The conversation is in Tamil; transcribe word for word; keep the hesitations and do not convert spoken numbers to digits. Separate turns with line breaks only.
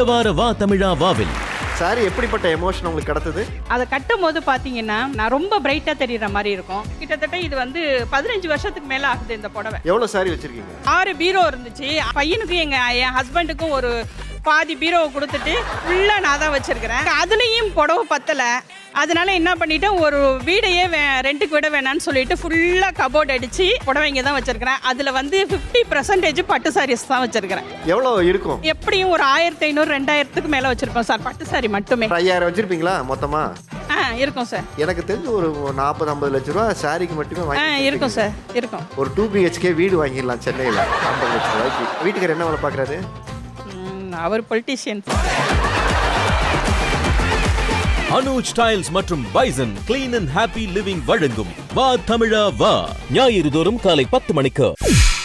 இந்த வார வா தமிழா வாவில்
சாரி எப்படிப்பட்ட எமோஷன் உங்களுக்கு கிடைத்தது?
அதை கட்டும் போது பாத்தீங்கன்னா நான் ரொம்ப பிரைட்டா தெரியற மாதிரி இருக்கும். கிட்டத்தட்ட இது வந்து பதினஞ்சு வருஷத்துக்கு மேல ஆகுது இந்த புடவை.
எவ்வளவு சாரி வச்சிருக்கீங்க?
ஆறு பீரோ இருந்துச்சு. பையனுக்கும் எங்க என் ஹஸ்பண்டுக்கும் ஒரு பாதி பீரோவை கொடுத்துட்டு ஃபுல்லா நான் தான் வச்சிருக்கிறேன். அதுலயும் புடவை பத்தல. அதனால என்ன பண்ணிட்டேன், ஒரு வீடையே ரெண்டுக்கு விட வேணான்னு சொல்லிட்டு ஃபுல்லா கபோர்ட் அடிச்சு புடவைங்க தான் வச்சிருக்கிறேன். அதுல வந்து பிப்டி பர்சன்டேஜ் பட்டு சாரீஸ் தான் வச்சிருக்கிறேன்.
எவ்வளவு இருக்கும்?
எப்படியும் ஒரு ஆயிரத்தி ஐநூறு ரெண்டாயிரத்துக்கு மேல வச்சிருப்போம் சார், பட்டு சாரி மட்டுமே.
ஐயாயிரம் வச்சிருப்பீங்களா மொத்தமா?
ஆ இருக்கும் சார்.
எனக்கு தெரிஞ்சு ஒரு நாற்பது ஐம்பது லட்சம் ரூபா சாரிக்கு மட்டுமே
ஆ
வாங்கி
இருக்கும் சார், இருக்கும்.
ஒரு டூ பிஹெச்கே வீடு வாங்கிடலாம் சென்னையில் ஐம்பது லட்சம் ரூபாய்க்கு. வீட்டுக்காரர் என்ன வேலை பார்க்குறாரு?
அவர் பொலிட்டீஷியன்.
அனுஜ் டைல்ஸ் மற்றும் bison clean and happy living வழங்கும் வா தமிழா வா ஞாயிறு தோறும் காலை பத்து மணிக்கு.